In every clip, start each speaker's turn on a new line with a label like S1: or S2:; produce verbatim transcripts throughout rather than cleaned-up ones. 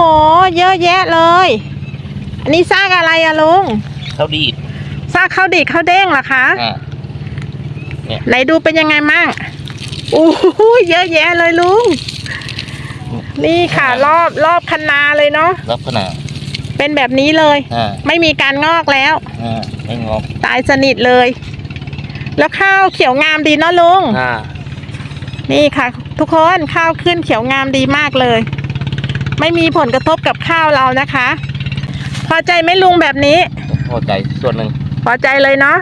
S1: เยอะแยะเลยอันนี้ซากอะไรอะลุง
S2: ข้าวดีด
S1: ซากข้าวดีดข้าวเด้งเหรอคะ
S2: เนี่ย
S1: ไหนดูเป็นยังไงมั่งอู้หูเยอะแยะเลยลุงนี่ค่ะรอบรอบคันนาเลยเนาะ
S2: รอบขนาด
S1: เป็นแบบนี้เลยไม่มีการงอกแล้ว
S2: ไม่งอก
S1: ตายสนิทเลยแล้วข้าวเขียวงามดีเนาะลุงนี่ค่ะทุกคนข้าวขึ้นเขียวงามดีมากเลยไม่มีผลกระทบกับข้าวเรานะคะพอใจไหมลุงแบบนี้
S2: พอใจส่วนหนึ่ง
S1: พอใจเลยเนาะ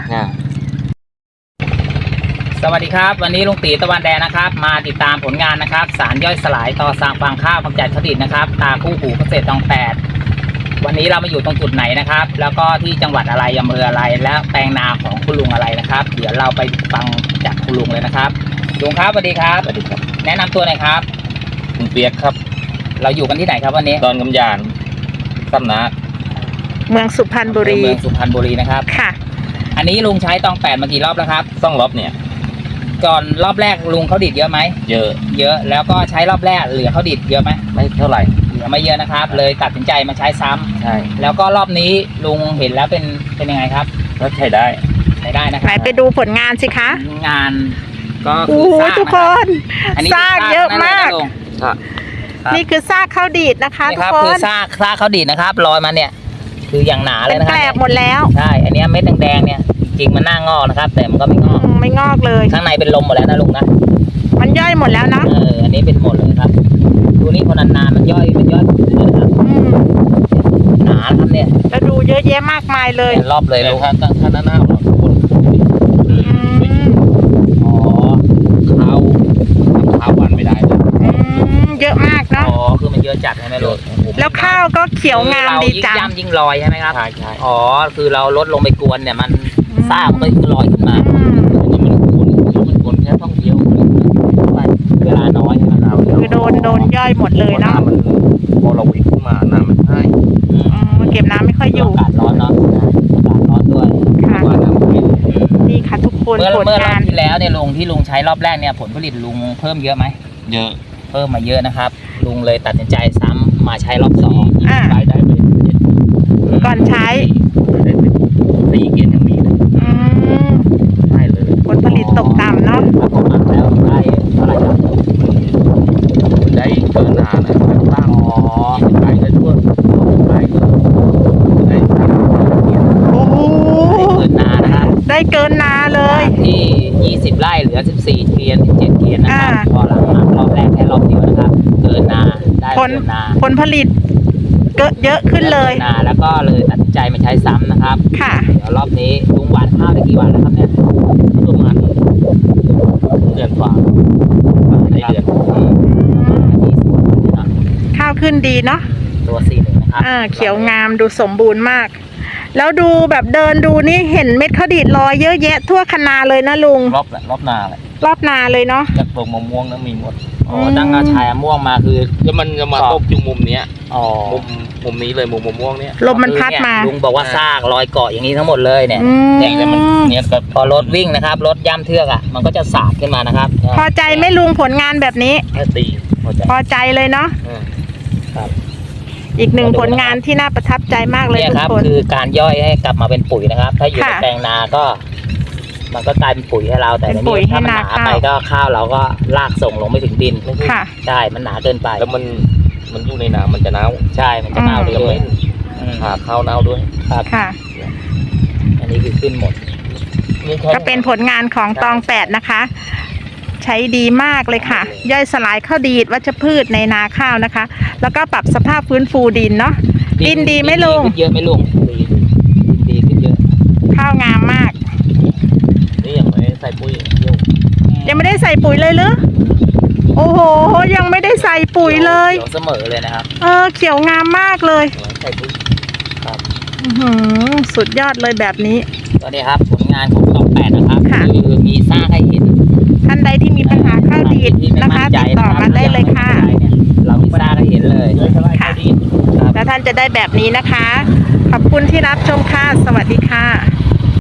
S3: สวัสดีครับวันนี้ลุงตีตะวันแดงนะครับมาติดตามผลงานนะครับสารย่อยสลายต่อสร้างฟางข้าวกำจัดข้าวดีดนะครับตาคู่หูเกษตรตองแปดวันนี้เรามาอยู่ตรงจุดไหนนะครับแล้วก็ที่จังหวัดอะไรอำเภออะไรและแปลงนาของคุณลุงอะไรนะครับเดี๋ยวเราไปฟังจากคุณลุงเลยนะครับลุงครับสวัสดีครับ
S2: สวัสดีครับ
S3: แนะนำตัวหน่อยครับ
S2: ลุงเปียกครับ
S3: เราอยู่กันที่ไหนครับวันนี้
S2: ดอนกำยานตำนา
S1: เมืองสุพรรณบุรี
S3: เมืองสุพรรณบุรีนะครับ
S1: ค่ะ
S3: อันนี้ลุงใช้ตองแปดมากี่รอบแล้วครับ
S2: สองรอบเนี่ย
S3: ก่อนรอบแรกลุงเขาดีดเยอะไหม
S2: เยอะ
S3: เยอะแล้วก็ใช้รอบแรกเหลือเขาดีดเยอะไหม
S2: ไม่เท่าไหร่
S3: เหลือไม่เยอะนะครับเลยตัดสินใจมาใช้ซ้ำ
S2: ใช่
S3: แล้วก็รอบนี้ลุงเห็นแล้วเป็นเป็นยังไงครับ
S2: ก็ใช้ได้
S3: ใช้ได้นะครับ
S1: ไหนไปดูผลงานสิคะ
S3: งานก็
S1: คือซากทุกคนซากเยอะมากนี่คือซากข้าวดีดนะคะทุกคน
S3: คือซากซากข้าวดีดนะครับลอยมาเนี่ยคืออย่างหนาเลยนะครับ
S1: แกลบหมดแล้ว
S3: ใช่อันนี้เม็ดแดงๆเนี่ยจริงมันน่างอกนะครับแต่มันก็ไม่งอก
S1: ไม่งอกเลย
S3: ข้างในเป็นลมหมดแล้วนะลุงนะ
S1: มันย่อยหมดแล้วนะ
S3: เอออันนี้เป็นหมดเลยครับดูนี่คนนานๆมันย่อยมันย่อยเลยนะครับหนาครับเนี่ย
S1: แล้วดูเยอะแยะมากมายเลย
S3: รอบเลย
S2: ลุงถ้าถ้าหน้าหน้าคน
S3: อ๋อข้าวข้าววันไม่ได้เลย
S1: เยอะมากเนาะ
S3: อ๋อคือมันเยอะจัดใช่ไหมลุง
S1: แล้วข้าวก็เขียวงามดีจัง
S3: ยิ่งย่ำยิ่งลอยใช่ไหมครับ
S2: ใช่ใช่
S3: อ๋อคือเราลดลงไปกวนเนี่ยมันซ่ามันก็คือลอยขึ้นมา
S2: อันนี้มันกวนมันกวนแค่ต้องเดียว
S3: เวลาน้อยใช่ไหมเรา
S1: คือโดนโดนย่อยหมดเลยเนาะ
S2: พอเราวิ่งขึ้นมาน้ำมันให้
S1: มันเก็บน้ำไม่ค่อยอยู่
S3: อากาศร้อนเนาะอากาศร้อนด้วย
S1: นี่ค่ะทุกคน
S3: เมื่อเมื่อรอบที่แล้วเนี่ยลุงที่ลุงใช้รอบแรกเนี่ยผลผลิตลุงเพิ่มเยอะไหม
S2: เยอะ
S3: เพิ่มมาเยอะนะครับลุงเลยตัดสินใจซ้ำมาใช้รอบสอง
S2: ได้ได้ไป
S1: ก่อนใช้
S2: สี่เกณฑ์ยังมีเลยได้เลย
S1: ผลผลิตตกต่ำเนาะ
S3: แล้วได้เท่าไหร่ครับ
S2: ได้เกินนานะสร้างอ๋อไปได้ทั่วไปได้สร้าง
S1: โอ้โห
S3: เกินนานะครับ
S1: ได้เกินนาเลย
S3: ที่ยี่สิบไร่เหลือสิบสี่เกวียนสิบเจ็ดเกวียนนะครับพอหลังมารอบแรกแค่รอบเดียวนะครับเกินนาได้เกินนา
S1: ผลผลิตก็เยอะขึ้นเลย
S3: นาแล้วก็เลยตัดใจมาใช้ซ้ำนะครับ
S1: ค่ะ
S3: เดี๋ยวรอบนี้ลุงหว่านข้าวได้กี่วันแล้วครับเนี่ย
S2: ประมาณเดือนกว่าในเดือน
S1: ข้าวขึ้นดีเนาะ
S3: ตัวสี่หนึ่งนะครับ
S1: อ่าเขียวงามดูสมบูรณ์มากแล้วดูแบบเดินดูนี่เห็นเม็ดข้าวดีดลอยเยอะแยะทั่วคณาเลยนะลุง
S2: รอบรอบนาเลย
S1: รอบนาเลยเนาะ
S2: จากตรงมะม่วงนั้นมีหมด
S3: อ๋อดังอาชายม่วงมาคือ
S2: แล้วมันจะมาตกจุมุมเนี้ย
S3: อ๋อ
S2: มุมมุมนี้เลยมุมมะม่วงเนี้ย
S1: ลมมันพัดมา
S3: ลุงบอกว่าซากรอยเกาะอย่างนี้ทั้งหมดเลยเนี่ย
S2: เนี่ยมันเนี่ยก็
S3: พอรถวิ่งนะครับรถย่ำเทือกอ่ะมันก็จะสาดขึ้นมานะครับ
S1: พอใจไหมลุงผลงานแบบนี้
S2: ตี
S1: พอใจพอใจเลยเนาะ
S3: ครับ
S1: อีกหนึ่งผลงานที่น่าประทับใจมากเลยทุกคน
S3: คือการย่อยให้กลับมาเป็นปุ๋ยนะครับถ้าอยู่ในแปลงนาก็มันก็กลายเป็นปุ๋ยให้เราแต่ในนี้ถ้ามันหนาไปก็ข้าวเราก็ลากส่งลงไม่ถึงดินใช่มันหนาเกินไป
S2: แล้วมันมันอยู่ในน้ำมันจะเน่า
S3: ใช่มันจะเน่าด้วย
S2: หาข้าวเน่าด้วย
S3: ครับ
S1: ค่ะ
S3: อันนี้คือขึ้นหมด
S1: ก็เป็นผลงานของตองแปดนะคะใช้ดีมากเลยค่ะย่อยสลายข้าวดีดวัชพืชในนาข้าวนะคะแล้วก็ปรับสภาพฟื้นฟูดินเนาะดินดีไหมลุง
S3: เยอะไหมลุงดีขึ้นเยอะ
S1: ข้าวงามมาก
S2: นี่ยังไม่ได้ใส่ปุ๋ย
S1: ยังไม่ได้ใส่ปุ๋ยเลยหรือโอ้โหยังไม่ได้ใส่ปุ๋ยเลย
S3: เสมอเลยนะครับ
S1: เออเขียวงามมากเลย
S3: ใส่ปุ๋ยครับ
S1: สุดยอดเลยแบบนี้
S3: ก็นี่ครับผลงานของตองแปดนะครับคือมีซากให้เห็น
S1: ท่านใดที่มีปัญหาข้าวดีดนะคะติดต่อมาได้เลยค่ะ
S3: เรามีซากให้เห็นเลย
S1: ค่ะแล้วท่านจะได้แบบนี้นะคะขอบคุณที่รับชมค่ะสวัสดีค่ะ